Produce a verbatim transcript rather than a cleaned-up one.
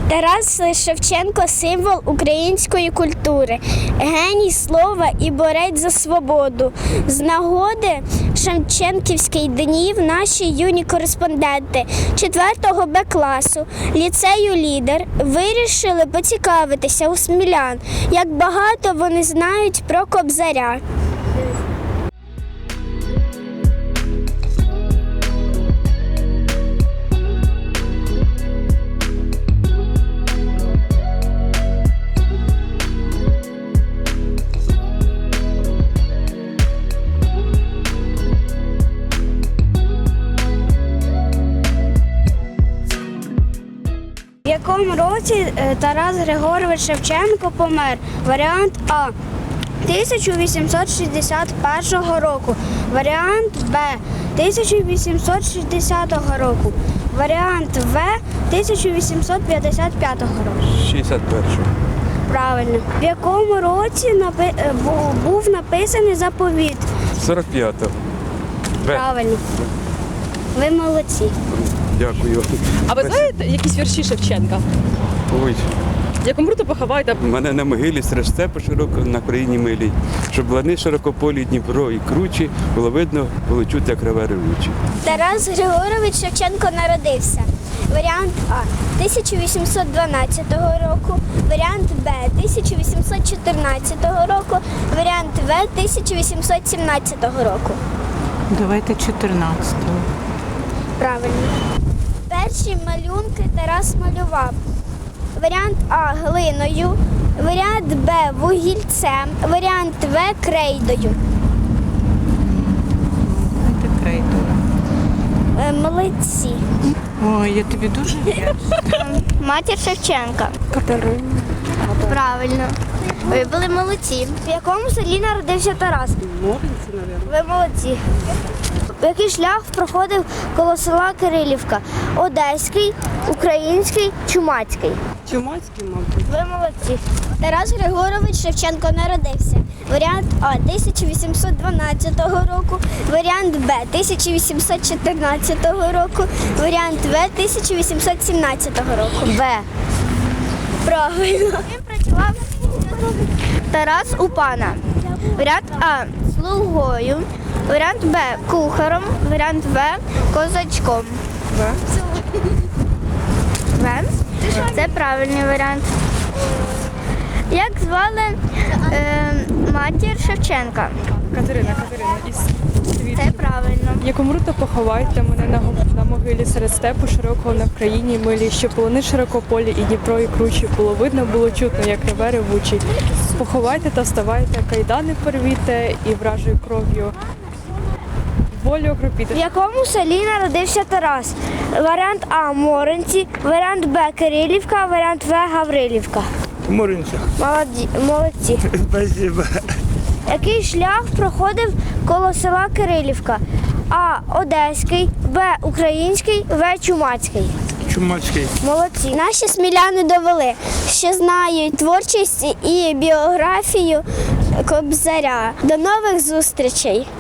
Тарас Шевченко – символ української культури, геній слова і борець за свободу. З нагоди Шевченківських днів наші юні кореспонденти четвертого Б класу ліцею «Лідер» вирішили поцікавитися у смілян, як багато вони знають про Кобзаря. В якому році Тарас Григорович Шевченко помер? Варіант А – тисяча вісімсот шістдесят першого року. Варіант Б – тисяча вісімсот шістдесятого року. Варіант В – тисяча вісімсот п'ятдесят п'ятого року. шістдесят першого. Правильно. В якому році напи... був написаний заповіт? сорок п'ятого. Правильно. Ви молодці. Дякую. А ви знаєте якісь вірші Шевченка? Ой, Як умру, то поховайте. в мене на могилі серед степу широко на країні милій, щоб лани широкополі, Дніпро і кручі, було видно, було чути, як реве ревучі. Тарас Григорович Шевченко народився. Варіант А – тисяча вісімсот дванадцятого року, варіант Б – тисяча вісімсот чотирнадцятого року, варіант В – тисяча вісімсот сімнадцятого року. Давайте чотирнадцятого. Правильно. Перші малюнки Тарас малював. Варіант А – глиною, варіант Б – вугільцем, варіант В – крейдою. Давайте крейдою. Е, Молодці. Ой, я тобі дуже вдячна. Матір Шевченка. Катерина. Правильно. Ви були молодці. В якому селі народився Тарас? Моринці, мабуть. Ви молодці. Який шлях проходив коло села Кирилівка? Одеський, український, чумацький. Чумацький, мабуть. Ви молодці. Тарас Григорович Шевченко народився. Варіант А – тисяча вісімсот дванадцятого року, варіант Б – тисяча вісімсот чотирнадцятого року, варіант В – тисяча вісімсот сімнадцятого року. В. Правильно. Ким працював Тарас у пана? Варіант А – слугою, варіант Б – кухарем, варіант В – козачком. В. В? Це правильний варіант. Як звали е, матір Шевченка? Катерина, Катерина, із Це правильно. Як умру, то поховайте мене на, го- на могилі серед степу широкого на країні милій, щоб полони широкополі і Дніпро і кручі, було видно, було чутно, як реве ревучий. Поховайте та вставайте, кайдани порвіте і вражою кров'ю волю окропіте. В якому селі народився Тарас? Варіант А – Моринці, варіант Б – Кирилівка, варіант В – Гаврилівка. Моринця. Молоді, молодці. Спасибо. Який шлях проходив коло села Кирилівка? А – Одеський, Б – Український, В – Чумацький. Чумацький. Молодці. Наші сміляни довели, що знають творчість і біографію Кобзаря. До нових зустрічей!